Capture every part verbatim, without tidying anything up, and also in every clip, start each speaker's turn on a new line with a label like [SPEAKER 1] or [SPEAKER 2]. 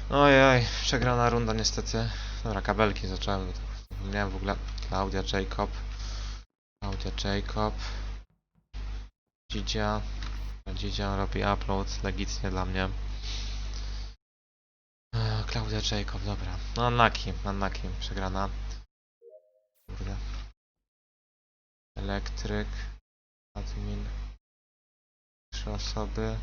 [SPEAKER 1] Ojej, przegrana runda niestety. Dobra, kabelki zacząłem. Miałem w ogóle Klaudia Jacob. Klaudia Jacob. Dzidzia. Dzidzia robi upload, legitnie dla mnie. Eee, Klaudia Jacob, dobra. No unlucky, unlucky, przegrana. Kurde. Elektryk. Admin. Trzy osoby.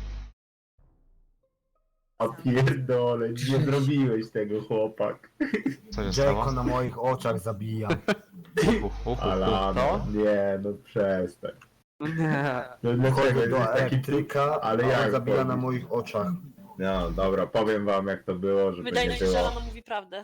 [SPEAKER 2] A pierdole, nie zrobiłeś tego, chłopak.
[SPEAKER 1] Co się stało?
[SPEAKER 3] Jayko na moich oczach zabija.
[SPEAKER 1] Uhu, uhu, uhu.
[SPEAKER 2] Alano, nie, no przestań.
[SPEAKER 4] Nie.
[SPEAKER 2] No dlaczego
[SPEAKER 3] Wchodzę do
[SPEAKER 2] jesteś taki
[SPEAKER 3] elektryka,
[SPEAKER 2] ale
[SPEAKER 3] ale
[SPEAKER 2] jak
[SPEAKER 3] zabija na
[SPEAKER 2] wchodzisz?
[SPEAKER 3] moich oczach.
[SPEAKER 2] No dobra, powiem wam jak to było, żeby
[SPEAKER 5] Wydaje
[SPEAKER 2] nie
[SPEAKER 5] mi się, że
[SPEAKER 2] było.
[SPEAKER 5] Alana mówi prawdę.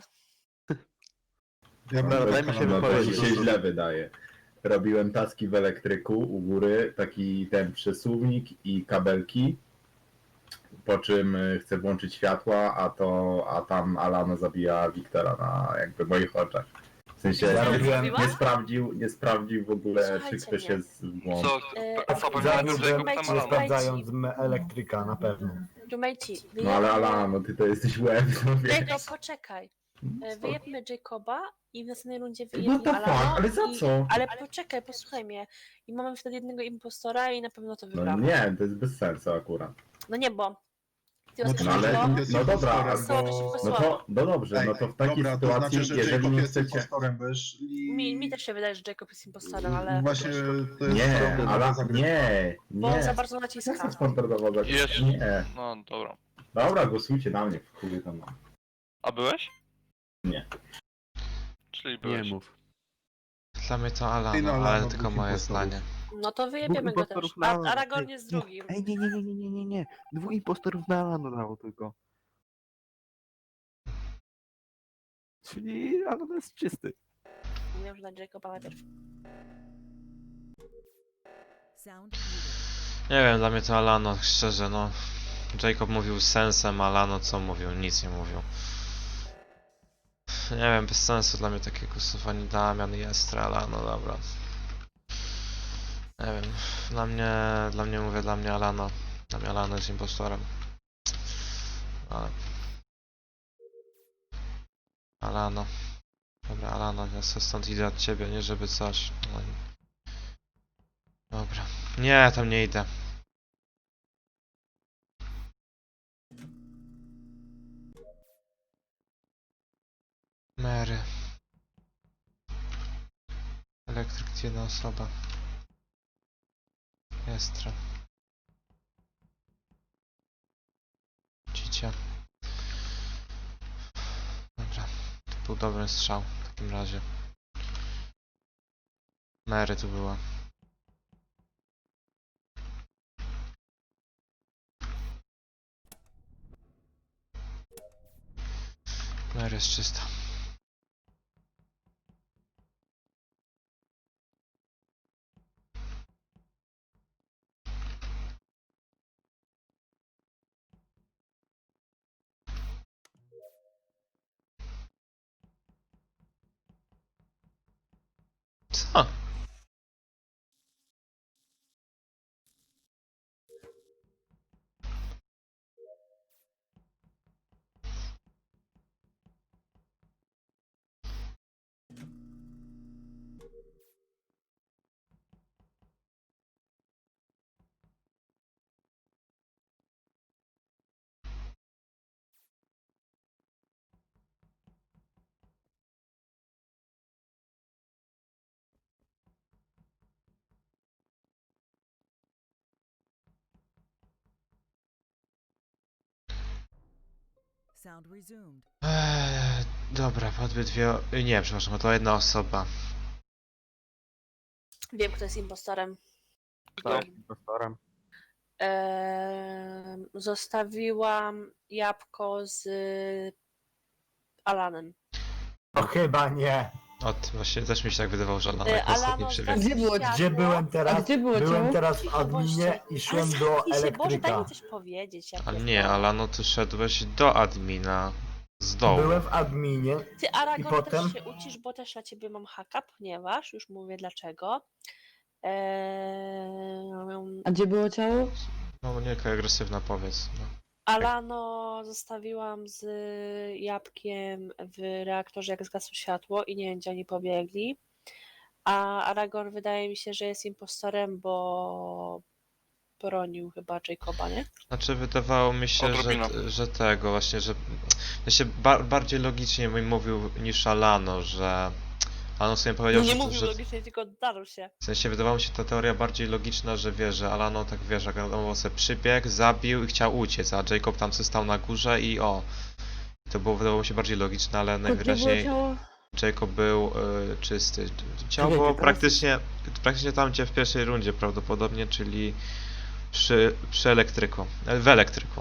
[SPEAKER 4] Ja
[SPEAKER 2] No,
[SPEAKER 4] daj mi się
[SPEAKER 2] no, to
[SPEAKER 4] wypowiedzieć.
[SPEAKER 2] ci się źle wydaje. Robiłem taski w elektryku u góry, taki ten przesuwnik i kabelki. Po czym y, chcę włączyć światła, a to, a tam Alano zabija Wiktora na jakby moich oczach. W sensie
[SPEAKER 3] Ja
[SPEAKER 2] nie,
[SPEAKER 3] robiłem-
[SPEAKER 2] nie sprawdził, nie sprawdził w ogóle, czy
[SPEAKER 5] Słuchajcie
[SPEAKER 2] ktoś
[SPEAKER 5] mnie.
[SPEAKER 2] jest w błąd.
[SPEAKER 6] Co?
[SPEAKER 5] E,
[SPEAKER 6] A co
[SPEAKER 3] Zabił,
[SPEAKER 6] powiedział, że
[SPEAKER 3] że
[SPEAKER 6] Jacob tam
[SPEAKER 5] Słuchajcie,
[SPEAKER 3] nie
[SPEAKER 6] Alana?
[SPEAKER 3] sprawdzając m- elektryka na pewno.
[SPEAKER 5] Roommatey,
[SPEAKER 2] No ale
[SPEAKER 5] wyjebmy...
[SPEAKER 2] Alano, ty to jesteś łeb, no wiesz.
[SPEAKER 5] Jacob, poczekaj. E, Wyjebmy Jacoba i w następnej rundzie
[SPEAKER 2] What
[SPEAKER 5] wyjebmy
[SPEAKER 2] the fuck?
[SPEAKER 5] Alana.
[SPEAKER 2] Ale za
[SPEAKER 5] i...
[SPEAKER 2] co?
[SPEAKER 5] Ale poczekaj, posłuchaj mnie. I mamy wtedy jednego impostora i na pewno to
[SPEAKER 2] No
[SPEAKER 5] wygramy.
[SPEAKER 2] nie, to jest bez sensu akurat.
[SPEAKER 5] No nie, bo... Ty
[SPEAKER 4] No
[SPEAKER 5] no,
[SPEAKER 2] No ale,
[SPEAKER 4] Jacob
[SPEAKER 2] no,
[SPEAKER 4] jest
[SPEAKER 2] no dobra,
[SPEAKER 4] impostorem,
[SPEAKER 2] albo,
[SPEAKER 5] bo-
[SPEAKER 2] no to, no dobrze, no to w takiej
[SPEAKER 4] dobra, to
[SPEAKER 2] sytuacji,
[SPEAKER 4] znaczy, że
[SPEAKER 2] jeżeli
[SPEAKER 4] Jacob
[SPEAKER 2] nie
[SPEAKER 4] jest
[SPEAKER 2] chcecie...
[SPEAKER 4] impostorem, bo jeżeli...
[SPEAKER 5] Mi, mi też się wydaje, że Jacob jest impostorem, ale...
[SPEAKER 4] Właśnie to jest
[SPEAKER 2] Nie,
[SPEAKER 4] standardowa
[SPEAKER 2] ale
[SPEAKER 4] zagrywka.
[SPEAKER 2] nie,
[SPEAKER 5] Bo on
[SPEAKER 2] nie.
[SPEAKER 5] za bardzo
[SPEAKER 2] Co
[SPEAKER 5] naciska.
[SPEAKER 2] za standardowa zagrywka?
[SPEAKER 6] Jeszcze.
[SPEAKER 2] Nie.
[SPEAKER 6] No dobra.
[SPEAKER 2] Dobra, głosujcie na mnie, w chuj tam mam.
[SPEAKER 6] A byłeś?
[SPEAKER 2] Nie.
[SPEAKER 6] Czyli
[SPEAKER 4] Nie
[SPEAKER 6] byłeś.
[SPEAKER 4] mów.
[SPEAKER 1] Dla mnie to
[SPEAKER 4] Ty no,
[SPEAKER 1] Alano,
[SPEAKER 4] Alano,
[SPEAKER 1] ale tylko
[SPEAKER 4] dwóch
[SPEAKER 1] moje
[SPEAKER 4] impostorów.
[SPEAKER 1] zdanie.
[SPEAKER 5] No to wyjebiemy go też.
[SPEAKER 7] impostorów
[SPEAKER 5] A,
[SPEAKER 7] na-
[SPEAKER 5] Aragorn
[SPEAKER 7] Ej,
[SPEAKER 5] jest
[SPEAKER 7] nie,
[SPEAKER 5] drugim.
[SPEAKER 7] Ej, nie, nie, nie, nie, nie, nie, nie. Dwóch impostorów na Alano dało tylko. Czyli Alano jest czysty.
[SPEAKER 5] Mówię, że na Jacoba najpierw.
[SPEAKER 1] Nie wiem, dla mnie to Alano, szczerze, no. Jacob mówił z sensem, Alano co mówił? Nic nie mówił. Nie wiem, bez sensu dla mnie takie głosowanie Damian i Estra, Alano, dobra. Nie wiem, dla mnie, dla mnie mówię, dla mnie Alano. Dla mnie Alano jest impostorem. Ale... Alano. Dobra, Alano, ja sobie stąd idę od ciebie, nie żeby coś. No. Dobra. Nie, tam nie idę. Mary. Elektryk, jedna osoba. Estra. Cicia. Dobra. To był dobry strzał w takim razie. Mary tu była. Mary jest czysta. Co?
[SPEAKER 8] Sound resumed.
[SPEAKER 1] Eee, dobra, podby dwie... o- Nie, przepraszam, to jedna osoba.
[SPEAKER 5] Wiem, kto jest impostorem.
[SPEAKER 6] Kto?
[SPEAKER 7] Impostorem.
[SPEAKER 5] Eee, zostawiłam jabłko z Alanem.
[SPEAKER 3] No chyba nie.
[SPEAKER 1] Od, właśnie też mi się tak wydawało, że Alano
[SPEAKER 5] E,
[SPEAKER 1] jak ostatni
[SPEAKER 5] Alano
[SPEAKER 1] przebiegł.
[SPEAKER 5] zgasił
[SPEAKER 9] Gdzie było-
[SPEAKER 5] światło.
[SPEAKER 3] Gdzie byłem teraz?
[SPEAKER 9] A gdzie było
[SPEAKER 3] Byłem
[SPEAKER 9] ciało?
[SPEAKER 3] teraz w
[SPEAKER 5] Cicho,
[SPEAKER 3] adminie
[SPEAKER 5] bądźcie.
[SPEAKER 3] i szłem
[SPEAKER 5] Ale
[SPEAKER 3] do
[SPEAKER 5] zamknij się, Boże, daj
[SPEAKER 3] elektryka.
[SPEAKER 5] mi coś powiedzieć. Ja
[SPEAKER 1] Ale
[SPEAKER 5] pierdolę.
[SPEAKER 1] nie, Alano, ty szedłeś do admina. Z dołu.
[SPEAKER 3] Byłem w adminie.
[SPEAKER 5] Ty, Aragorn,
[SPEAKER 3] I potem?
[SPEAKER 5] też się ucisz, bo też na ciebie mam haka, ponieważ, już mówię dlaczego. Eee...
[SPEAKER 9] A gdzie było ciało?
[SPEAKER 1] No nie, jaka agresywna, powiedz. No.
[SPEAKER 5] Alano zostawiłam z jabłkiem w reaktorze, jak zgasło światło i nie wiem, gdzie oni pobiegli. A Aragorn wydaje mi się, że jest impostorem, bo bronił chyba Jacoba, nie?
[SPEAKER 1] Znaczy wydawało mi się,
[SPEAKER 6] Odrobina.
[SPEAKER 1] że, że tego właśnie, że ja się ba bardziej logicznie mi mówił niż Alano, że Alano sobie powiedział,
[SPEAKER 5] Nie
[SPEAKER 1] że,
[SPEAKER 5] mówił
[SPEAKER 1] że
[SPEAKER 5] logicznie, tylko darł się.
[SPEAKER 1] w sensie wydawało mi się ta teoria bardziej logiczna, że wie, że Alano tak wie, że Alano sobie przybiegł, zabił i chciał uciec, a Jacob tam sobie stał na górze i o. To było wydawało mi się bardziej logiczne, ale najwyraźniej Jacob był y, czysty. Ciało
[SPEAKER 7] Czekaj,
[SPEAKER 1] było
[SPEAKER 7] teraz-
[SPEAKER 1] praktycznie, praktycznie tam gdzie w pierwszej rundzie prawdopodobnie, czyli przy, przy elektryku, e, w elektryku.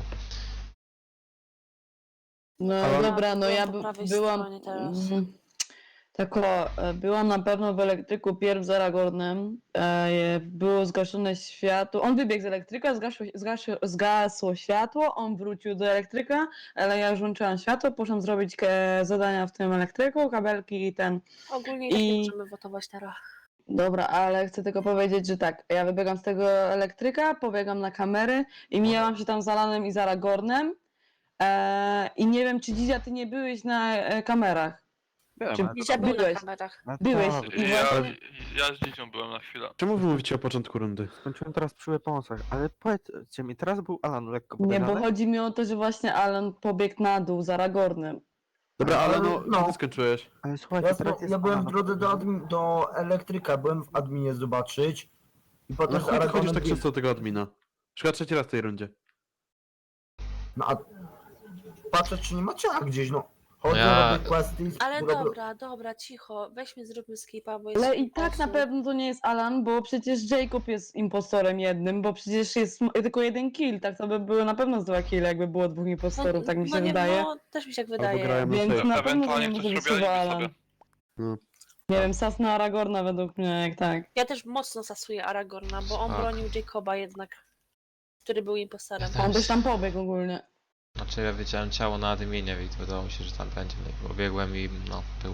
[SPEAKER 9] No
[SPEAKER 3] Ale-
[SPEAKER 9] dobra, no ja
[SPEAKER 5] Byłam po
[SPEAKER 9] by,
[SPEAKER 5] prawej
[SPEAKER 9] byłam.
[SPEAKER 5] stronie teraz.
[SPEAKER 9] mm, Tak o, e, byłam na pewno w elektryku pierw z Aragornem. E, było zgaszone światło. On wybiegł z elektryka, zgasło, zgasło, zgasło światło, on wrócił do elektryka, ale ja już włączyłam światło, poszłam zrobić e, zadania w tym elektryku, kabelki i ten.
[SPEAKER 5] Ogólnie tak nie
[SPEAKER 9] I-
[SPEAKER 5] możemy wotować teraz.
[SPEAKER 9] Dobra, ale chcę tylko powiedzieć, że tak, ja wybiegam z tego elektryka, pobiegam na kamery i mijałam się tam z Alanem i z Aragornem. E, I nie wiem, czy Dzia, ty nie byłeś na e, kamerach. Czy
[SPEAKER 7] Byłem,
[SPEAKER 5] Dzisiaj był na
[SPEAKER 9] byłeś?
[SPEAKER 5] kamerach.
[SPEAKER 7] ale
[SPEAKER 9] byłeś
[SPEAKER 7] to-
[SPEAKER 9] i
[SPEAKER 6] Ja,
[SPEAKER 9] właśnie-
[SPEAKER 6] ja z dziecią byłem na chwilę.
[SPEAKER 4] Czemu wy mówicie o początku rundy?
[SPEAKER 7] Skończyłem teraz przy pomocach, ale powiedzcie mi, teraz był Alan lekko
[SPEAKER 9] Nie, bo
[SPEAKER 7] podejrzany?
[SPEAKER 9] chodzi mi o to, że właśnie Alan pobiegł na dół z Aragornem.
[SPEAKER 4] Dobra, ale no,
[SPEAKER 3] No.
[SPEAKER 4] no. ty skończyłeś.
[SPEAKER 7] Ale słuchajcie,
[SPEAKER 3] Ja,
[SPEAKER 7] teraz jest
[SPEAKER 3] ja byłem w
[SPEAKER 7] Alan
[SPEAKER 3] drodze do,
[SPEAKER 7] podejrzany.
[SPEAKER 3] admin, do elektryka, byłem w adminie zobaczyć. I
[SPEAKER 4] No
[SPEAKER 3] potem z
[SPEAKER 4] chuj, ty chodzisz
[SPEAKER 3] Aragornem...
[SPEAKER 4] tak często do tego admina. Już chyba trzeci raz w tej rundzie.
[SPEAKER 3] No a patrzę, czy nie ma ciała gdzieś, no. Chodzę,
[SPEAKER 1] Ja-
[SPEAKER 3] robię questy i
[SPEAKER 5] Ale
[SPEAKER 3] robię-
[SPEAKER 5] dobra, dobra, cicho. Weźmy, zróbmy skipa, bo jest
[SPEAKER 9] Ale i
[SPEAKER 5] kilka
[SPEAKER 9] tak na
[SPEAKER 5] osób.
[SPEAKER 9] pewno to nie jest Alan, bo przecież Jacob jest impostorem jednym, bo przecież jest m- tylko jeden kill, tak to by były na pewno z dwa kill, jakby było dwóch impostorów, tak mi się
[SPEAKER 5] no nie,
[SPEAKER 9] wydaje.
[SPEAKER 5] No, też mi się tak
[SPEAKER 4] Albo
[SPEAKER 5] wydaje.
[SPEAKER 4] grałem na
[SPEAKER 9] Więc
[SPEAKER 4] safe.
[SPEAKER 9] na pewno to nie
[SPEAKER 6] Ewentualnie
[SPEAKER 9] może
[SPEAKER 6] ktoś
[SPEAKER 9] być
[SPEAKER 6] robił
[SPEAKER 9] słowa
[SPEAKER 6] alibi
[SPEAKER 9] Alan.
[SPEAKER 6] sobie.
[SPEAKER 4] No.
[SPEAKER 9] Nie wiem, sas na Aragorna według mnie, jak tak.
[SPEAKER 5] Ja też mocno sasuję Aragorna, bo on
[SPEAKER 1] Tak.
[SPEAKER 5] bronił Jacoba jednak, który był impostorem.
[SPEAKER 1] Ja
[SPEAKER 9] On
[SPEAKER 1] też.
[SPEAKER 9] też tam pobiegł ogólnie.
[SPEAKER 1] Znaczy ja wiedziałem ciało na adminie i wydawało mi się, że tam będzie, no i pobiegłem i no, był.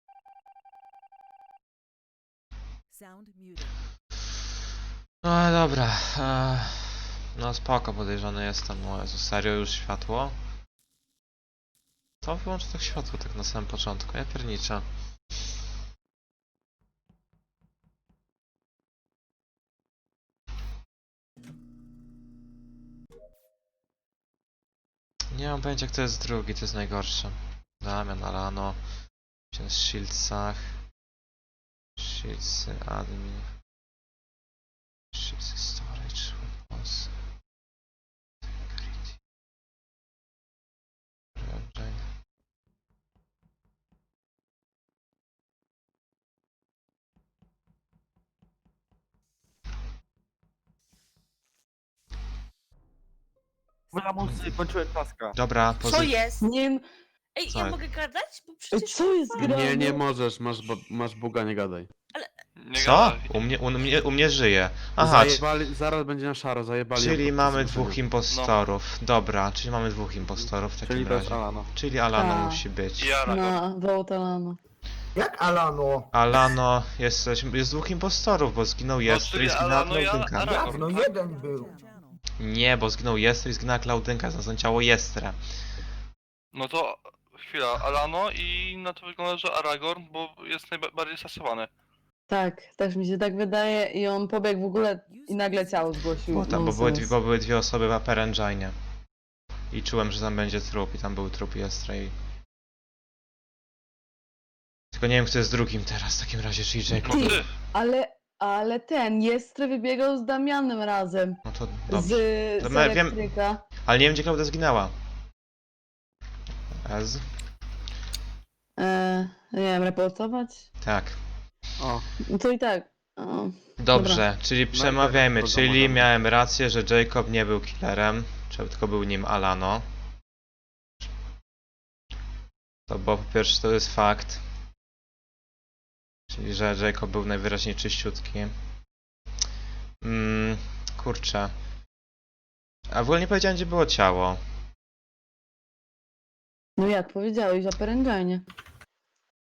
[SPEAKER 8] Sound muted.
[SPEAKER 1] No ale dobra, e, no spoko, podejrzany jestem, no Jezu, serio już światło? To wyłączę tak światło tak na samym początku, ja pierniczę. Nie mam pojęcia kto jest drugi, to jest najgorsze. Damian, Alano, gdzie jest Shieldsach, Shieldsy, admin, Shieldsy, storage, weapons, security, engine.
[SPEAKER 7] Lamusy, kończyłem taska.
[SPEAKER 1] Dobra,
[SPEAKER 5] Co
[SPEAKER 1] pozy-
[SPEAKER 5] jest?
[SPEAKER 9] Nie wiem,
[SPEAKER 5] Ej,
[SPEAKER 1] Co
[SPEAKER 5] ja
[SPEAKER 1] jest?
[SPEAKER 5] mogę gadać? Bo
[SPEAKER 9] ej,
[SPEAKER 5] przecież...
[SPEAKER 9] co jest grane?
[SPEAKER 4] Nie, nie możesz, masz, bo- masz buga, nie gadaj.
[SPEAKER 6] Nie
[SPEAKER 1] Co?
[SPEAKER 6] gadaj.
[SPEAKER 1] U mnie, u mnie, u mnie żyje. Aha, c-
[SPEAKER 4] Zajebali, zaraz będzie na szaro, zajebali. ją
[SPEAKER 1] czyli
[SPEAKER 4] podczas
[SPEAKER 1] mamy
[SPEAKER 4] słyszenia.
[SPEAKER 1] dwóch impostorów. Dobra, czyli mamy dwóch impostorów w takim
[SPEAKER 7] Czyli bez
[SPEAKER 1] razie.
[SPEAKER 7] Alana.
[SPEAKER 1] Czyli Alano
[SPEAKER 9] Tak.
[SPEAKER 1] musi być.
[SPEAKER 6] I Aragorn.
[SPEAKER 9] No, wołt Alana.
[SPEAKER 3] Jak Alano?
[SPEAKER 1] Alano, jest, jest dwóch impostorów, bo zginął Jester i
[SPEAKER 6] czyli
[SPEAKER 1] zginęła
[SPEAKER 6] Alano i Ala-
[SPEAKER 1] Klaudynka.
[SPEAKER 6] Aragorn.
[SPEAKER 3] Jak? No
[SPEAKER 6] tak?
[SPEAKER 3] jeden był.
[SPEAKER 8] Channel.
[SPEAKER 1] Nie, bo zginął Jester i zginęła Klaudynka, znalazłem ciało Jestra.
[SPEAKER 6] No to chwila, Alano i na to wygląda, że Aragorn, bo jest najbardziej stosowany.
[SPEAKER 9] Tak, też mi się tak wydaje i on pobiegł w ogóle i nagle ciało zgłosił.
[SPEAKER 1] Bo tam, bo były, dwie,
[SPEAKER 9] Nonsens.
[SPEAKER 1] bo były dwie osoby w Upper Engine. I czułem, że tam będzie trup i tam był trup Jestra i... Tylko nie wiem kto jest drugim teraz w takim razie, czyli Jacob.
[SPEAKER 6] No ty!
[SPEAKER 9] Ale, ale ten, Jestry wybiegał z Damianem razem.
[SPEAKER 1] No to
[SPEAKER 9] Z,
[SPEAKER 1] dobrze. To
[SPEAKER 9] z
[SPEAKER 1] my- wiem-
[SPEAKER 9] elektryka.
[SPEAKER 1] Ale nie wiem gdzie Klaudia zginęła. Ez?
[SPEAKER 9] E, nie wiem, reportować?
[SPEAKER 1] Tak.
[SPEAKER 7] O,
[SPEAKER 9] No to i tak. O,
[SPEAKER 1] Dobrze, czyli przemawiajmy,
[SPEAKER 7] kogo
[SPEAKER 1] czyli
[SPEAKER 7] możemy?
[SPEAKER 1] miałem rację, że Jacob nie był killerem, czy tylko był nim Alano. To bo po pierwsze to jest fakt. Czyli, że Jacob był najwyraźniej czyściutki. Mm, kurczę. A w ogóle nie powiedziałem gdzie było ciało.
[SPEAKER 9] no jak powiedziałeś, o Perengine.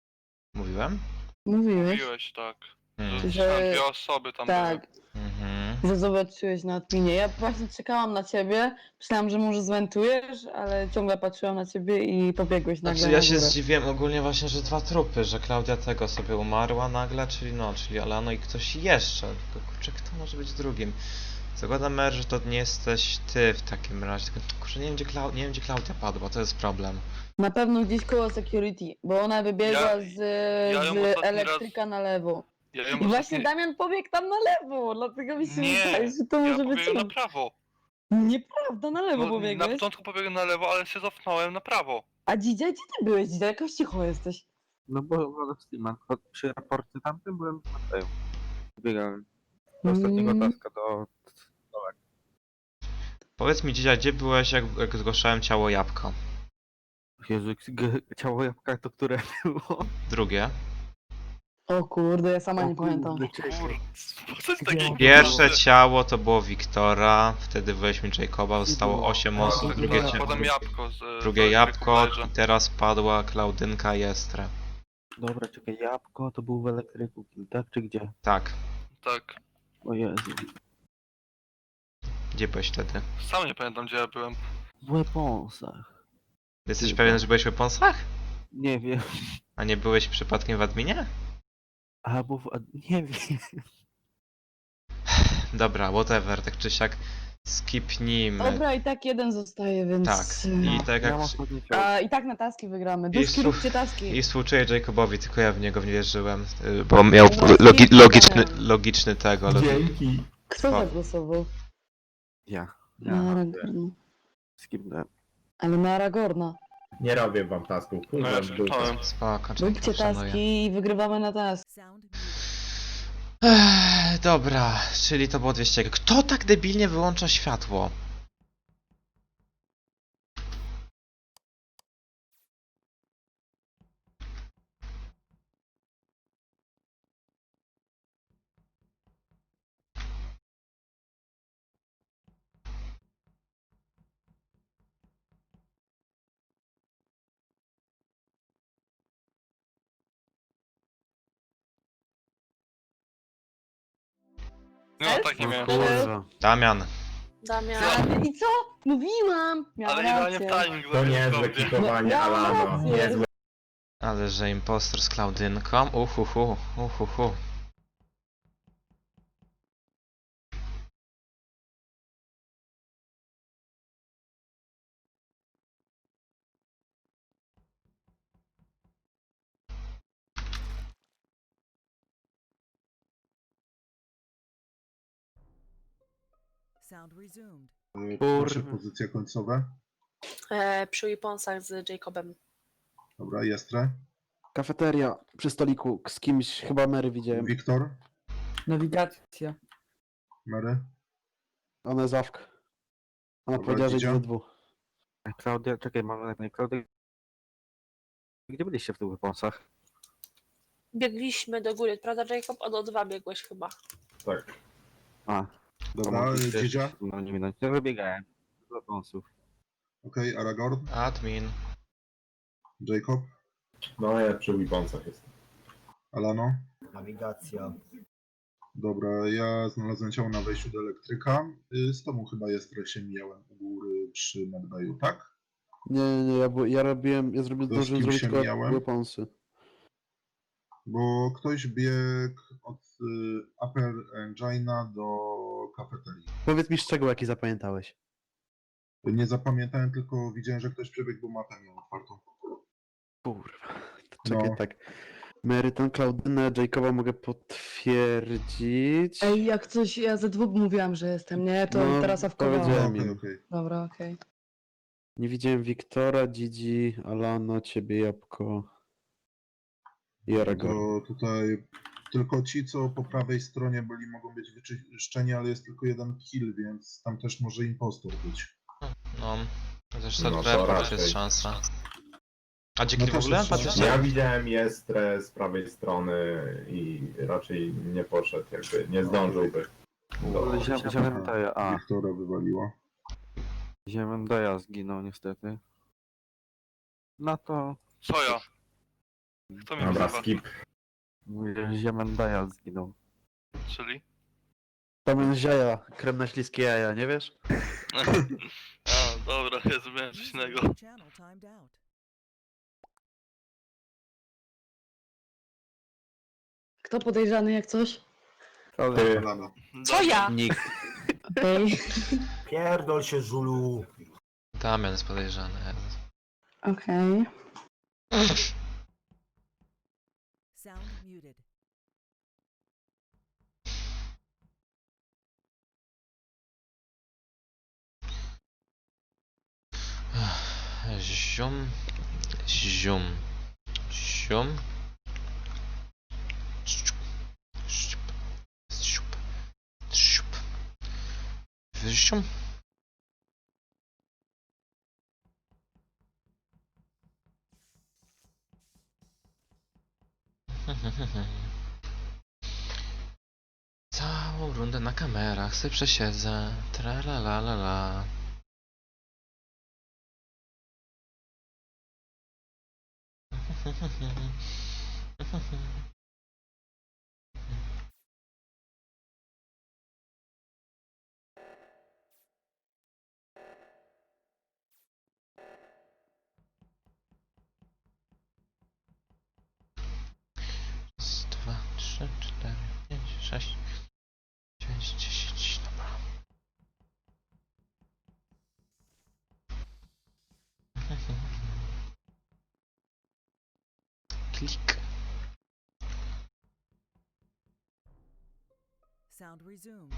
[SPEAKER 1] Mówiłem?
[SPEAKER 9] Mówiłeś.
[SPEAKER 6] Mówiłeś tak.
[SPEAKER 1] Hmm.
[SPEAKER 6] Że
[SPEAKER 9] Że-
[SPEAKER 6] dwie osoby tam
[SPEAKER 9] Tak.
[SPEAKER 6] były.
[SPEAKER 1] Mhm.
[SPEAKER 9] że zobaczyłeś na adminie. Ja właśnie czekałam na ciebie, myślałam, że może zwentujesz, ale ciągle patrzyłam na ciebie i pobiegłeś nagle
[SPEAKER 1] Znaczy
[SPEAKER 9] na
[SPEAKER 1] ja się
[SPEAKER 9] górę.
[SPEAKER 1] zdziwiłem ogólnie właśnie, że dwa trupy, że Klaudia tego sobie umarła nagle, czyli no, czyli Alano i ktoś jeszcze. Tylko kurczę, kto może być drugim? Zakładam, Mer, że to nie jesteś ty w takim razie, tylko kurczę, nie wiem gdzie, Klau nie wiem, gdzie Klaudia padła, to jest problem.
[SPEAKER 9] Na pewno gdzieś koło security, bo ona wybiegła
[SPEAKER 6] Ja-
[SPEAKER 9] z,
[SPEAKER 6] ja ją
[SPEAKER 9] z
[SPEAKER 6] ostatni
[SPEAKER 9] elektryka na lewo.
[SPEAKER 6] Ja ją
[SPEAKER 9] I właśnie
[SPEAKER 6] ostatni...
[SPEAKER 9] Damian pobiegł tam na lewo, dlatego mi się
[SPEAKER 6] Nie,
[SPEAKER 9] wydaje, że to
[SPEAKER 6] ja
[SPEAKER 9] może być
[SPEAKER 6] pobiegłem na
[SPEAKER 9] on.
[SPEAKER 6] prawo.
[SPEAKER 9] Nieprawda, na lewo
[SPEAKER 6] No, na
[SPEAKER 9] pobiegłeś.
[SPEAKER 6] początku pobiegłem na lewo, ale się cofnąłem na prawo.
[SPEAKER 9] A Dzidzia, gdzie ty byłeś, Dzidzia? Jakoś cicho jesteś.
[SPEAKER 7] No bo bo w Steamach, choć przy raporcie tamtym byłem na Mateju. Biegałem do ostatniego
[SPEAKER 9] Mm.
[SPEAKER 7] taska, do...
[SPEAKER 1] Powiedz mi dzisiaj, gdzie byłeś, jak, jak zgłaszałem ciało jabłko?
[SPEAKER 7] Jezu, g- ciało jabłka to które było?
[SPEAKER 1] Drugie.
[SPEAKER 9] O kurde, ja sama
[SPEAKER 7] O
[SPEAKER 9] nie pamiętam.
[SPEAKER 7] kurde, czekaj.
[SPEAKER 6] Kur... Coś takiego.
[SPEAKER 1] Pierwsze ciało to było Wiktora, wtedy weźmy Jacoba, zostało osiem osób, drugie,
[SPEAKER 6] Potem,
[SPEAKER 1] cie-
[SPEAKER 6] potem jabłko z...
[SPEAKER 1] drugie
[SPEAKER 6] z
[SPEAKER 1] jabłko
[SPEAKER 6] elektryku
[SPEAKER 1] i teraz padła Klaudynka i Estre.
[SPEAKER 7] Dobra, czekaj, jabłko to był w elektryku, tak czy gdzie?
[SPEAKER 1] Tak.
[SPEAKER 6] Tak.
[SPEAKER 7] O Jezu.
[SPEAKER 1] Gdzie byłeś wtedy?
[SPEAKER 6] Sam nie pamiętam gdzie ja byłem.
[SPEAKER 7] W Weaponsach.
[SPEAKER 1] Jesteś
[SPEAKER 7] Chyba.
[SPEAKER 1] pewien, że byłeś w Weaponsach?
[SPEAKER 7] Nie wiem.
[SPEAKER 1] A nie byłeś przypadkiem w adminie?
[SPEAKER 7] Albo w... a- nie wiem.
[SPEAKER 1] Dobra, whatever, tak czy siak skipnijmy.
[SPEAKER 9] Dobra, i tak jeden zostaje, więc...
[SPEAKER 1] Tak, i tak
[SPEAKER 7] Ja
[SPEAKER 1] jak...
[SPEAKER 7] mam ostatnie ciało.
[SPEAKER 9] A i tak na taski wygramy.
[SPEAKER 1] I
[SPEAKER 9] Duszki,
[SPEAKER 1] słuch-
[SPEAKER 9] róbcie taski.
[SPEAKER 1] I współczuję Jacobowi, tylko ja w niego nie wierzyłem, y, bo miał
[SPEAKER 9] Właśnie
[SPEAKER 1] logi logiczny,
[SPEAKER 9] Damian.
[SPEAKER 1] logiczny tego, logi
[SPEAKER 2] Dzięki.
[SPEAKER 9] Kto
[SPEAKER 1] O.
[SPEAKER 9] zagłosował?
[SPEAKER 7] Ja.
[SPEAKER 9] Na
[SPEAKER 7] Ja.
[SPEAKER 9] Aragorna.
[SPEAKER 7] Skipnąłem.
[SPEAKER 9] Ale na Aragorna.
[SPEAKER 2] Nie robię wam tasków.
[SPEAKER 6] No ja
[SPEAKER 2] Kurwa, w dupę.
[SPEAKER 6] skipnąłem.
[SPEAKER 1] Spoko,
[SPEAKER 9] Róbcie
[SPEAKER 1] Jacob, szanuję.
[SPEAKER 9] taski i wygrywamy na task.
[SPEAKER 8] Sound muted.
[SPEAKER 1] Ech, dobra, czyli to było dwieście. Kto tak debilnie wyłącza światło?
[SPEAKER 6] No tak nie
[SPEAKER 4] No
[SPEAKER 6] miałem.
[SPEAKER 4] kurwa.
[SPEAKER 1] Damian.
[SPEAKER 5] Damian.
[SPEAKER 9] Ale i co? Mówiłam! Miałam
[SPEAKER 6] Ale idealnie w
[SPEAKER 9] rację.
[SPEAKER 6] timing
[SPEAKER 2] To niezłe
[SPEAKER 6] zrobił.
[SPEAKER 2] kikowanie,
[SPEAKER 9] No, ja mam
[SPEAKER 2] Alano.
[SPEAKER 9] rację.
[SPEAKER 2] Niezłe.
[SPEAKER 1] Ale że impostor z Klaudynką. Uhuhu, uhuhu.
[SPEAKER 8] Sound resumed.
[SPEAKER 10] Proszę,
[SPEAKER 4] Kurwa.
[SPEAKER 10] pozycje końcowe.
[SPEAKER 5] E, przy Weaponsach z Jacobem.
[SPEAKER 10] Dobra, Jestre.
[SPEAKER 4] Kafeteria przy stoliku z kimś, chyba Mary widziałem.
[SPEAKER 10] Wiktor.
[SPEAKER 9] Nawigacja.
[SPEAKER 10] Mary.
[SPEAKER 4] Ona jest awka. Ona
[SPEAKER 10] Dobra,
[SPEAKER 4] powiedziała, że
[SPEAKER 10] Dzidzia?
[SPEAKER 4] idzie ze dwóch.
[SPEAKER 7] Klaudia, czekaj, mam na Klaudia. Gdzie byliście w tych Weaponsach?
[SPEAKER 5] Biegliśmy do góry, prawda Jacob? Od O dwa biegłeś chyba.
[SPEAKER 2] Tak.
[SPEAKER 7] A.
[SPEAKER 10] Dobra,
[SPEAKER 7] mogliście
[SPEAKER 10] Dzidzia.
[SPEAKER 7] No nie minąć. Ja wybiegałem. Z Weaponsów.
[SPEAKER 10] Okej, Aragorn.
[SPEAKER 1] Admin.
[SPEAKER 10] Jacob.
[SPEAKER 2] No ja przy Weaponsach jestem.
[SPEAKER 10] Alano.
[SPEAKER 3] Nawigacja.
[SPEAKER 10] Dobra, ja znalazłem ciało na wejściu do elektryka. Y, Z tobą chyba Jestre się mijałem u góry przy medbayu, tak?
[SPEAKER 4] Nie, nie, nie, ja, bu- ja robiłem, ja zrobiłem,
[SPEAKER 10] To z
[SPEAKER 4] zdążyłem
[SPEAKER 10] kim
[SPEAKER 4] zrobić
[SPEAKER 10] się
[SPEAKER 4] tylko
[SPEAKER 10] mijałem?
[SPEAKER 4] weaponsy.
[SPEAKER 10] Bo ktoś biegł od y, Upper Engina do kafeterii.
[SPEAKER 4] Powiedz mi szczegół, jaki zapamiętałeś.
[SPEAKER 10] Nie zapamiętałem, tylko widziałem, że ktoś przebiegł, bo mapę miał otwartą.
[SPEAKER 4] Kurwa. To czekaj,
[SPEAKER 10] No.
[SPEAKER 4] tak. Mary, tą Klaudynę, Jacoba mogę potwierdzić.
[SPEAKER 9] Ej, jak coś, ja ze dwóch mówiłam, że jestem, nie? To
[SPEAKER 4] No,
[SPEAKER 9] teraz awkowałam.
[SPEAKER 4] powiedziałem.
[SPEAKER 10] Okej,
[SPEAKER 4] im.
[SPEAKER 10] okej.
[SPEAKER 9] Dobra, okej.
[SPEAKER 4] Nie widziałem Wiktora, Dzidzi, Alano, ciebie, Jabłko i Aragorn.
[SPEAKER 10] To tutaj tylko ci, co po prawej stronie byli, mogą być wyczyszczeni, ale jest tylko jeden kill, więc tam też może impostor być.
[SPEAKER 1] No. Chociaż
[SPEAKER 2] No,
[SPEAKER 1] no,
[SPEAKER 2] to
[SPEAKER 1] jest
[SPEAKER 2] raczej.
[SPEAKER 1] szansa. A dzięki
[SPEAKER 10] No
[SPEAKER 1] w
[SPEAKER 10] też
[SPEAKER 1] ogóle?
[SPEAKER 10] jest szansa.
[SPEAKER 1] Patrzycie?
[SPEAKER 2] Ja widziałem Jestrę z prawej strony i raczej nie poszedł, jakby nie zdążyłby. Do...
[SPEAKER 7] Ziemendaya, a.
[SPEAKER 10] Wiktora wywaliła.
[SPEAKER 7] Ziemendaya zginął niestety. No to...
[SPEAKER 6] Co ja? Kto mnie
[SPEAKER 2] Dobra,
[SPEAKER 6] wzywa?
[SPEAKER 2] skip.
[SPEAKER 7] Mówię, że Ziemendaya zginął.
[SPEAKER 6] Czyli?
[SPEAKER 4] Damian z jaja, krem na śliskie jaja, nie wiesz?
[SPEAKER 6] A, dobra, ja zrobiłem coś innego.
[SPEAKER 8] Channel timed out.
[SPEAKER 9] Kto podejrzany jak coś?
[SPEAKER 2] Ty,
[SPEAKER 10] Lana.
[SPEAKER 5] Co ja?
[SPEAKER 7] Nikt.
[SPEAKER 9] Okej.
[SPEAKER 3] Pierdol się, Żulu.
[SPEAKER 1] Damian jest podejrzany.
[SPEAKER 9] Okej.
[SPEAKER 8] Sound muted.
[SPEAKER 1] Zium. Zium. Zium. Ściup. Ściup. Ściup. Ściup. Zium. Całą rundę na kamerach sobie przesiedzę. Tralalalala. Raz, dwa, trzy, cztery, pięć, sześć, dziewięć, dziesięć, dobra. Klik.
[SPEAKER 8] Sound resumed.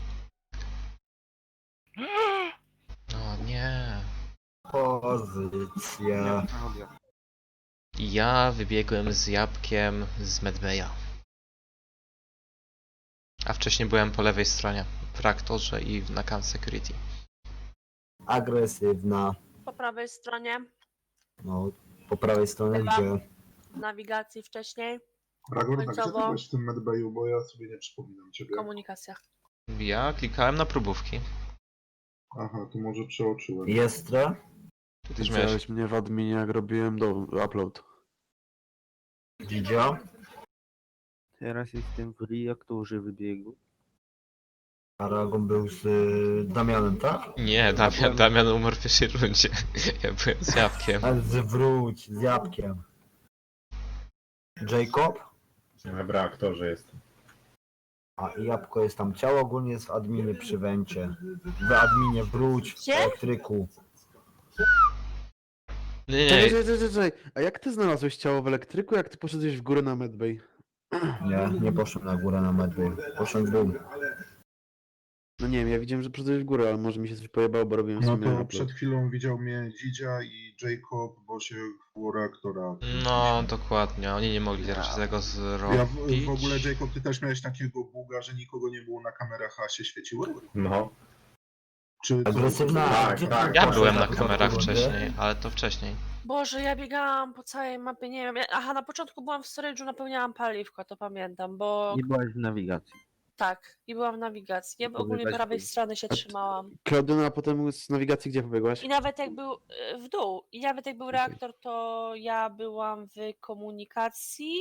[SPEAKER 1] No nie.
[SPEAKER 3] Pozycja.
[SPEAKER 7] Audio.
[SPEAKER 1] Ja wybiegłem z jabłkiem z Medbeja. A wcześniej byłem po lewej stronie, w reaktorze i na Camp Security.
[SPEAKER 3] Agresywna.
[SPEAKER 5] Po prawej stronie
[SPEAKER 3] No, po prawej stronie
[SPEAKER 5] Chyba.
[SPEAKER 3] gdzie?
[SPEAKER 5] nawigacji wcześniej,
[SPEAKER 10] Ragor, tak gdzie ty
[SPEAKER 5] Końcowo.
[SPEAKER 10] byłeś w tym medbayu, bo ja sobie nie przypominam ciebie.
[SPEAKER 5] komunikacja.
[SPEAKER 1] Ja klikałem na próbówki.
[SPEAKER 10] Aha, to może przeoczyłem.
[SPEAKER 3] Jestre?
[SPEAKER 1] Ty też miałeś...
[SPEAKER 4] Widziałeś mnie w adminie, jak robiłem do upload.
[SPEAKER 3] Widział?
[SPEAKER 7] Teraz jestem w reaktorze wybiegu.
[SPEAKER 3] Aragon był z y, Damianem, tak?
[SPEAKER 1] Nie, Damian, Damian umarł w pierwszej rundzie. Ja byłem z jabłkiem.
[SPEAKER 3] Ale zwróć, z jabłkiem. Jacob?
[SPEAKER 2] w reaktorze jest.
[SPEAKER 3] A i jabłko jest tam. Ciało ogólnie jest w adminie przy wencie. W adminie wróć, w
[SPEAKER 5] Gdzie?
[SPEAKER 3] elektryku.
[SPEAKER 1] Nie,
[SPEAKER 4] Czekaj,
[SPEAKER 1] nie,
[SPEAKER 4] czekaj, czekaj, czekaj. A jak ty znalazłeś ciało w elektryku, jak ty poszedłeś w górę na medbay?
[SPEAKER 3] Nie, nie poszłem na górę na medbay. Poszłem w dół.
[SPEAKER 4] No nie wiem, ja widziałem, że poszedłeś w górę, ale może mi się coś pojebało, bo robiłem
[SPEAKER 10] No
[SPEAKER 4] sobie
[SPEAKER 10] to
[SPEAKER 4] upload.
[SPEAKER 10] przed chwilą widział mnie Dzidzia i Jacob, bo się koło reaktora.
[SPEAKER 1] no dokładnie, oni nie mogli raczej tego
[SPEAKER 10] Ja
[SPEAKER 1] zrobić.
[SPEAKER 10] w, w ogóle, Jacob, ty też miałeś takiego buga, że nikogo nie było na kamerach, a się świeciły?
[SPEAKER 2] No.
[SPEAKER 10] Czy to-
[SPEAKER 3] Agresywna.
[SPEAKER 2] Tak,
[SPEAKER 3] Gdzie ty
[SPEAKER 2] tak.
[SPEAKER 1] Ja
[SPEAKER 3] poszłeś
[SPEAKER 1] byłem na
[SPEAKER 3] początku
[SPEAKER 1] kamerach
[SPEAKER 3] rundy?
[SPEAKER 1] wcześniej, ale to wcześniej.
[SPEAKER 5] Boże, ja biegałam po całej mapie, nie wiem. ja- Aha, na początku byłam w storage'u, napełniałam paliwko, to pamiętam, bo
[SPEAKER 7] Nie byłaś w nawigacji.
[SPEAKER 5] tak, i byłam w nawigacji. Ja
[SPEAKER 7] To
[SPEAKER 5] ogólnie
[SPEAKER 7] wydać
[SPEAKER 5] prawej
[SPEAKER 7] chuj.
[SPEAKER 5] strony się
[SPEAKER 4] A ty-
[SPEAKER 5] trzymałam.
[SPEAKER 4] Klaudyna, a potem z nawigacji gdzie pobiegłaś?
[SPEAKER 5] I nawet jak był e, w dół, i nawet jak był
[SPEAKER 4] Okej.
[SPEAKER 5] reaktor, to ja byłam w komunikacji.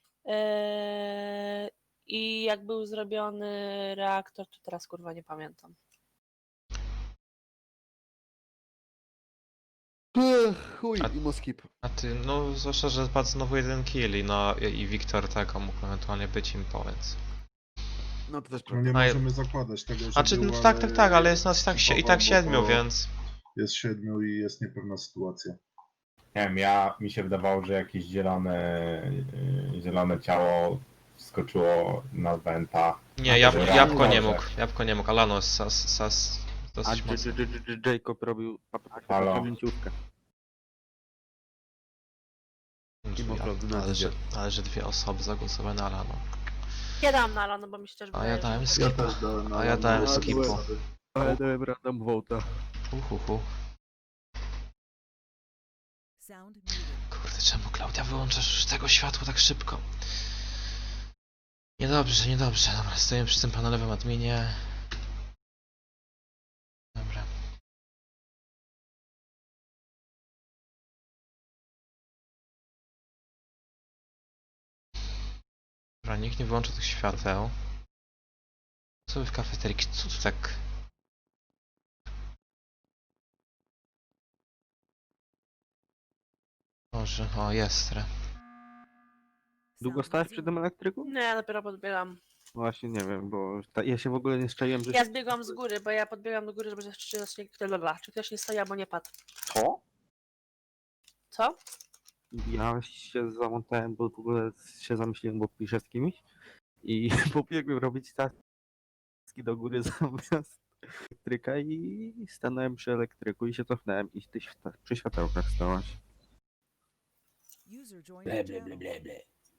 [SPEAKER 5] e, I jak był zrobiony reaktor, to teraz kurwa nie pamiętam.
[SPEAKER 4] Ech, chuj,
[SPEAKER 1] A-
[SPEAKER 4] i moskip.
[SPEAKER 1] A ty, no zwłaszcza, że padł znowu jeden kill i no i i Wiktor tego mógł ewentualnie być impo, więc...
[SPEAKER 4] No to też
[SPEAKER 10] No
[SPEAKER 4] prawda.
[SPEAKER 10] nie
[SPEAKER 1] A ja-
[SPEAKER 10] możemy zakładać tego, że
[SPEAKER 1] Znaczy,
[SPEAKER 10] był,
[SPEAKER 1] no tak, tak,
[SPEAKER 10] ale
[SPEAKER 1] tak, ale jest nas i tak, sie- i tak
[SPEAKER 10] bo
[SPEAKER 1] siedmiu,
[SPEAKER 10] to
[SPEAKER 1] więc...
[SPEAKER 10] Jest siedmiu i jest niepewna sytuacja.
[SPEAKER 2] Nie wiem, ja mi się wydawało, że jakieś zielone, yy, zielone ciało wskoczyło na Venta.
[SPEAKER 1] Nie, jab
[SPEAKER 2] Dobra,
[SPEAKER 1] jabłko nie
[SPEAKER 2] dobrze.
[SPEAKER 1] mógł, jabłko nie mógł, Alano jest sas, sas
[SPEAKER 7] A
[SPEAKER 1] dosyć
[SPEAKER 7] J-
[SPEAKER 1] mocno.
[SPEAKER 7] J- J- J- Jacob robił
[SPEAKER 2] Halo.
[SPEAKER 7] pamięciówkę.
[SPEAKER 1] Drzwi,
[SPEAKER 4] Mimo Klaudyna
[SPEAKER 1] ale, że,
[SPEAKER 4] idzie.
[SPEAKER 1] ale że dwie osoby zagłosowały na Alano.
[SPEAKER 5] Ja dałam na Alano, bo mi się też
[SPEAKER 1] A
[SPEAKER 5] wydaje,
[SPEAKER 1] ja dałem
[SPEAKER 10] Ja
[SPEAKER 1] skipa.
[SPEAKER 10] też dałem na
[SPEAKER 1] A ja dałem
[SPEAKER 10] na-
[SPEAKER 1] skipu.
[SPEAKER 7] Ale dałem random vote'a.
[SPEAKER 1] Uhuhu.
[SPEAKER 8] Sound muted.
[SPEAKER 1] Kurde, czemu Klaudia wyłączasz już tego światła tak szybko? Niedobrze, niedobrze. Dobra, stoję przy tym panelowym adminie. Dobra. Dobra, nikt nie wyłącza tych świateł. Co wy w kafeterii? Co tu tak? Może, o jest. re.
[SPEAKER 7] Długo
[SPEAKER 8] Sound
[SPEAKER 7] stałeś przy tym
[SPEAKER 8] resumed.
[SPEAKER 7] elektryku?
[SPEAKER 5] Nie, ja dopiero podbieram.
[SPEAKER 7] Właśnie nie wiem, bo ta, ja się w ogóle nie szczaiłem, że...
[SPEAKER 5] Ja zbiegłam z góry, bo ja podbiegam do góry, żeby zobaczyć, czy, zacznie- kto- lala, czy ktoś nie stoi albo nie padł.
[SPEAKER 7] Co?
[SPEAKER 5] Co?
[SPEAKER 7] Ja się zamontałem, bo w ogóle się zamyśliłem, bo piszę z kimś i pobiegłem robić taski do góry zamiast elektryka i stanąłem przy elektryku i się cofnąłem i ty świ- przy światełkach stałaś.
[SPEAKER 8] User joined your channel.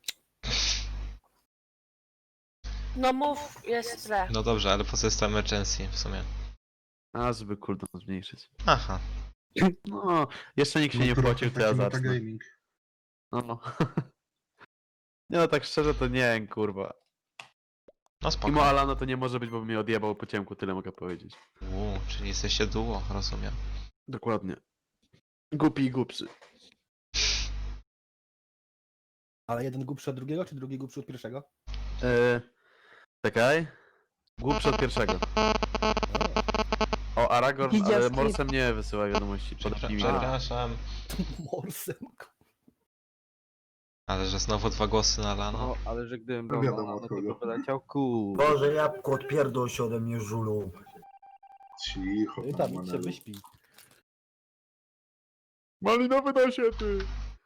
[SPEAKER 5] No mów, jest źle.
[SPEAKER 1] No dobrze, ale po co jest to emergency w sumie?
[SPEAKER 4] A, żeby cooldown zmniejszyć.
[SPEAKER 1] Aha.
[SPEAKER 4] No, jeszcze nikt się nie
[SPEAKER 10] No, trochę
[SPEAKER 4] wpłacił, to ja
[SPEAKER 10] taki
[SPEAKER 4] zacznę.
[SPEAKER 10] metagaming.
[SPEAKER 4] No, no. Nie no, tak szczerze to nie, kurwa.
[SPEAKER 1] No
[SPEAKER 4] Mimo
[SPEAKER 1] spoko.
[SPEAKER 4] Alana to nie może być, bo mnie odjebał po ciemku, tyle mogę powiedzieć.
[SPEAKER 1] Uuu, czyli jesteście duo, rozumiem.
[SPEAKER 4] Dokładnie. Głupi i głupszy.
[SPEAKER 11] Ale jeden głupszy od drugiego, czy drugi głupszy od pierwszego?
[SPEAKER 4] Eee, czekaj. Głupszy od pierwszego. O, Aragorn, ale
[SPEAKER 9] Widziawski.
[SPEAKER 4] Morsem nie wysyła wiadomości. Podepnij mi go.
[SPEAKER 1] Przepraszam.
[SPEAKER 11] Morsem.
[SPEAKER 1] Ale że znowu dwa głosy na Lano.
[SPEAKER 7] No, ale że gdybym
[SPEAKER 10] No
[SPEAKER 7] był
[SPEAKER 10] wiadomo,
[SPEAKER 7] no
[SPEAKER 10] od
[SPEAKER 7] to
[SPEAKER 10] kogo.
[SPEAKER 7] by wyleciał kół.
[SPEAKER 3] Boże, jabłko, odpierdol się ode mnie, żulu.
[SPEAKER 10] Cicho,
[SPEAKER 11] I
[SPEAKER 10] tam,
[SPEAKER 11] tam, idź się
[SPEAKER 10] Manelu.
[SPEAKER 11] wyśpi.
[SPEAKER 4] Malinowy nasiety!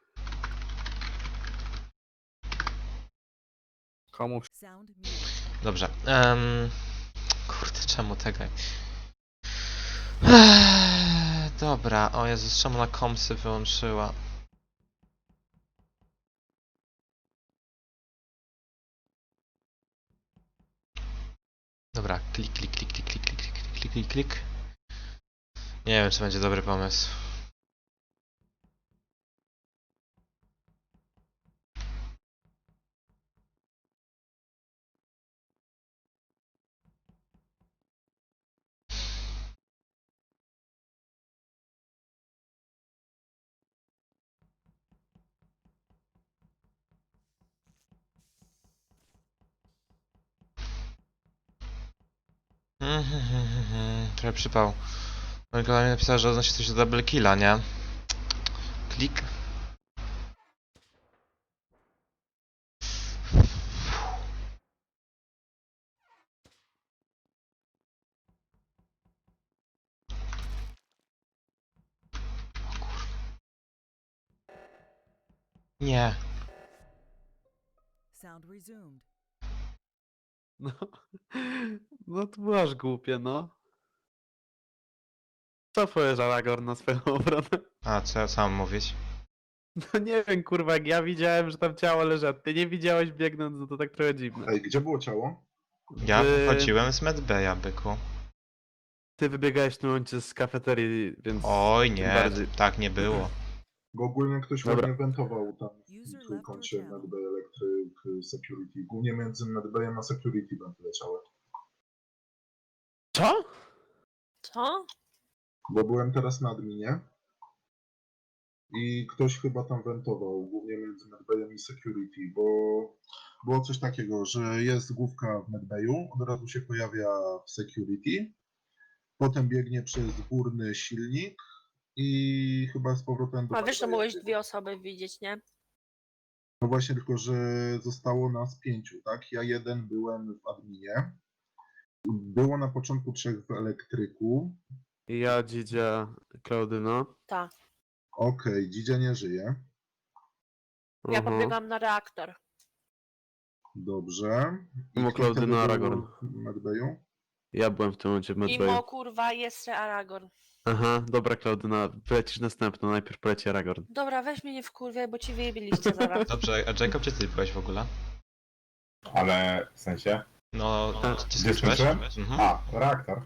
[SPEAKER 7] Komu
[SPEAKER 8] Sound muted.
[SPEAKER 1] Dobrze. Um, kurde, czemu tego? Eee, dobra, o Jezus, czemu na komsy wyłączyła? Dobra, klik, klik, klik, klik, klik, klik, klik, klik, klik, klik. Nie wiem, czy będzie dobry pomysł. Mhm, trochę przypał. No i kolej mi napisał, że odnosi coś do double killa, nie? Klik. O kurwa. Nie.
[SPEAKER 8] Sound resumed.
[SPEAKER 4] No, no to było aż głupie, no. Co powiesz, Aragorn, na swoją obronę?
[SPEAKER 1] A, co ja sam mówić?
[SPEAKER 4] No nie wiem, kurwa, jak ja widziałem, że tam ciało leży, a ty nie widziałeś biegnąc, no to tak trochę dziwne.
[SPEAKER 10] Ej, gdzie było ciało?
[SPEAKER 1] Ja
[SPEAKER 4] Ty-
[SPEAKER 1] wychodziłem z medbeja, byku.
[SPEAKER 4] Ty wybiegałeś w tym momencie z kafeterii, więc...
[SPEAKER 1] Oj,
[SPEAKER 4] tym
[SPEAKER 1] nie,
[SPEAKER 4] bardziej.
[SPEAKER 1] tak nie było.
[SPEAKER 10] Bo ogólnie ktoś
[SPEAKER 4] Dobra.
[SPEAKER 10] ładnie wentował tam
[SPEAKER 8] User
[SPEAKER 10] w
[SPEAKER 8] left
[SPEAKER 10] trójkącie
[SPEAKER 8] your channel.
[SPEAKER 10] Medbay Electric Security. Głównie między Medbayem a Security będę leciały.
[SPEAKER 4] Co?
[SPEAKER 5] Co?
[SPEAKER 10] Bo byłem teraz na adminie i ktoś chyba tam wentował, głównie między Medbayem i Security, bo było coś takiego, że jest główka w Medbayu, od razu się pojawia w Security, potem biegnie przez górny silnik i chyba z powrotem do
[SPEAKER 5] A wiesz, że
[SPEAKER 10] Medbaya
[SPEAKER 5] mogłeś
[SPEAKER 10] biegnie.
[SPEAKER 5] dwie osoby widzieć, nie?
[SPEAKER 10] No właśnie, tylko że zostało nas pięciu, tak? Ja jeden byłem w adminie. Było na początku trzech w elektryku.
[SPEAKER 4] Ja, Dzidzia, Klaudyna.
[SPEAKER 5] Tak.
[SPEAKER 10] Okej, Dzidzia nie żyje.
[SPEAKER 5] Ja
[SPEAKER 4] Aha.
[SPEAKER 5] podbiegam na reaktor.
[SPEAKER 10] Dobrze. I
[SPEAKER 4] Mimo
[SPEAKER 10] kto wtedy
[SPEAKER 4] Klaudyna,
[SPEAKER 10] był
[SPEAKER 4] Aragorn.
[SPEAKER 10] w Medbayu?
[SPEAKER 4] Ja byłem w tym momencie w
[SPEAKER 5] Imo
[SPEAKER 4] Medbayu.
[SPEAKER 5] kurwa jest Aragorn.
[SPEAKER 4] Aha, dobra, Klaudyna, polecisz następną, najpierw poleci Aragorn.
[SPEAKER 5] Dobra, weź mnie nie wkurwiaj, bo ci wyjebiliście zaraz.
[SPEAKER 1] Dobrze, a Jacob, gdzie ty byłeś w ogóle?
[SPEAKER 2] Ale w sensie?
[SPEAKER 1] No,
[SPEAKER 4] A,
[SPEAKER 1] gdzie
[SPEAKER 2] Gdzie
[SPEAKER 1] skończyłeś?
[SPEAKER 2] skończyłem?
[SPEAKER 1] Mhm.
[SPEAKER 2] A, reaktor.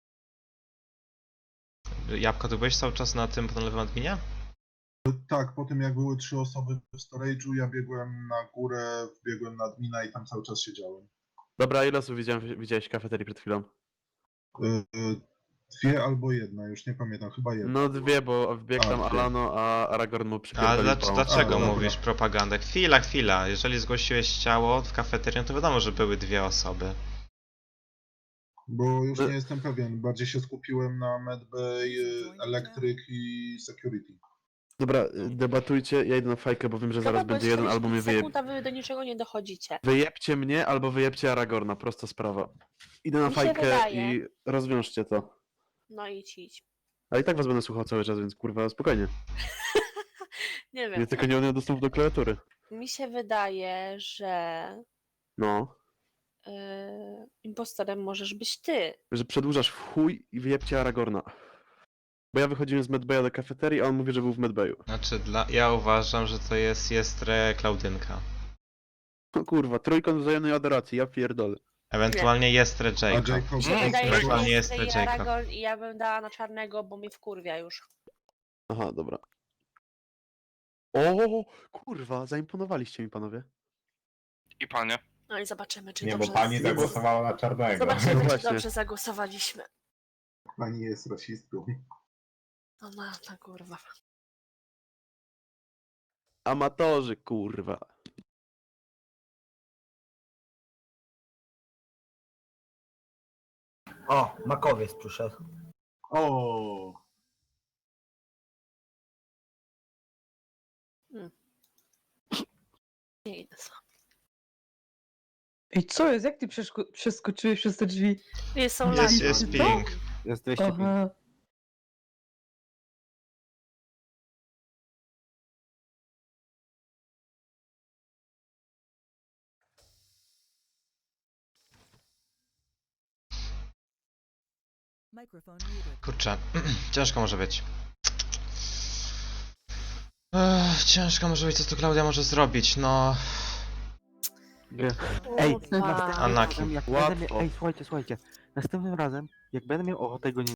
[SPEAKER 1] Jabłko, ty byłeś cały czas na tym panelowym adminie?
[SPEAKER 10] Tak, po tym jak były trzy osoby w storage'u, ja biegłem na górę, wbiegłem na admina i tam cały czas siedziałem.
[SPEAKER 4] Dobra, ile osób widziałem, widziałeś w kafeterii przed chwilą?
[SPEAKER 10] Yy, Dwie albo jedna, już nie pamiętam, chyba jedna.
[SPEAKER 4] No dwie, bo wbiegł
[SPEAKER 10] A,
[SPEAKER 4] tam
[SPEAKER 10] dwie.
[SPEAKER 4] Alano, a Aragorn mu
[SPEAKER 1] A
[SPEAKER 4] przypierdolił
[SPEAKER 1] dlac-
[SPEAKER 4] pałą.
[SPEAKER 1] dlaczego
[SPEAKER 10] A, dobra.
[SPEAKER 1] mówisz propagandę? Chwila, chwila. Jeżeli zgłosiłeś ciało w kafeterii, no to wiadomo, że były dwie osoby.
[SPEAKER 10] Bo już
[SPEAKER 7] E-
[SPEAKER 10] nie jestem pewien. Bardziej się skupiłem na Medbay, y, Electric i Security.
[SPEAKER 4] Dobra, y, debatujcie, ja idę na fajkę, bo wiem, że zaraz
[SPEAKER 5] Chyba
[SPEAKER 4] będzie jeden, albo mnie wyjeb...
[SPEAKER 5] sekund, a wy do niczego nie dochodzicie.
[SPEAKER 4] Wyjebcie mnie, albo wyjebcie Aragorna, prosta sprawa. Idę na
[SPEAKER 5] Mi się
[SPEAKER 4] fajkę
[SPEAKER 5] wydaje-
[SPEAKER 4] i rozwiążcie to.
[SPEAKER 5] No idź, idź.
[SPEAKER 4] A i tak was będę słuchał cały czas, więc kurwa, spokojnie.
[SPEAKER 5] Nie wiem.
[SPEAKER 4] Ja tylko nie mam dostępu do klawiatury.
[SPEAKER 5] Mi się wydaje, że
[SPEAKER 4] No,
[SPEAKER 5] yy, impostorem możesz być ty.
[SPEAKER 4] że przedłużasz w chuj i wyjebcie Aragorna. Bo ja wychodziłem z Medbaya do kafeterii, a on mówi, że był w Medbayu.
[SPEAKER 1] Znaczy, dla... ja uważam, że to jest Jestre Klaudynka.
[SPEAKER 4] No kurwa, trójkąt wzajemnej adoracji, ja pierdolę.
[SPEAKER 1] Ewentualnie Jestre
[SPEAKER 10] A
[SPEAKER 1] Jacob.
[SPEAKER 10] Jacob
[SPEAKER 5] Mi się
[SPEAKER 6] Mm,
[SPEAKER 5] wydaje, że
[SPEAKER 1] ewentualnie
[SPEAKER 5] jest
[SPEAKER 1] jest
[SPEAKER 5] ty i
[SPEAKER 1] Jacob.
[SPEAKER 5] Aragorn i ja bym dała na czarnego, bo mnie wkurwia już.
[SPEAKER 4] Aha, dobra. O, kurwa, zaimponowaliście mi panowie.
[SPEAKER 6] I panie.
[SPEAKER 5] No i zobaczymy, czy
[SPEAKER 2] Nie,
[SPEAKER 5] dobrze...
[SPEAKER 2] bo pani zagłosowała na czarnego.
[SPEAKER 5] Zobaczymy,
[SPEAKER 4] No
[SPEAKER 5] czy
[SPEAKER 4] właśnie.
[SPEAKER 5] dobrze zagłosowaliśmy.
[SPEAKER 10] Pani jest rasistką.
[SPEAKER 5] No na, na kurwa.
[SPEAKER 4] Amatorzy, kurwa.
[SPEAKER 3] O, makowiec przyszedł.
[SPEAKER 10] O,
[SPEAKER 5] Nie idę sam.
[SPEAKER 9] I co jest? Jak ty przeszko- przeskoczyłeś przez te drzwi?
[SPEAKER 5] Nie są
[SPEAKER 1] Jest,
[SPEAKER 5] lampy.
[SPEAKER 1] jest ping.
[SPEAKER 7] Jest dwieście pięć.
[SPEAKER 9] Aha.
[SPEAKER 8] Microphone muted.
[SPEAKER 1] Kurczę, ciężko może być. Ech, ciężko może być, co tu Klaudia może zrobić, no...
[SPEAKER 7] Nie. Ej,
[SPEAKER 5] Kurwa.
[SPEAKER 7] następnym
[SPEAKER 1] Anaki.
[SPEAKER 7] razem, jak
[SPEAKER 4] Łatwo.
[SPEAKER 7] będę miał, ej, słuchajcie, słuchajcie. Następnym razem, jak będę miał ochotę go nie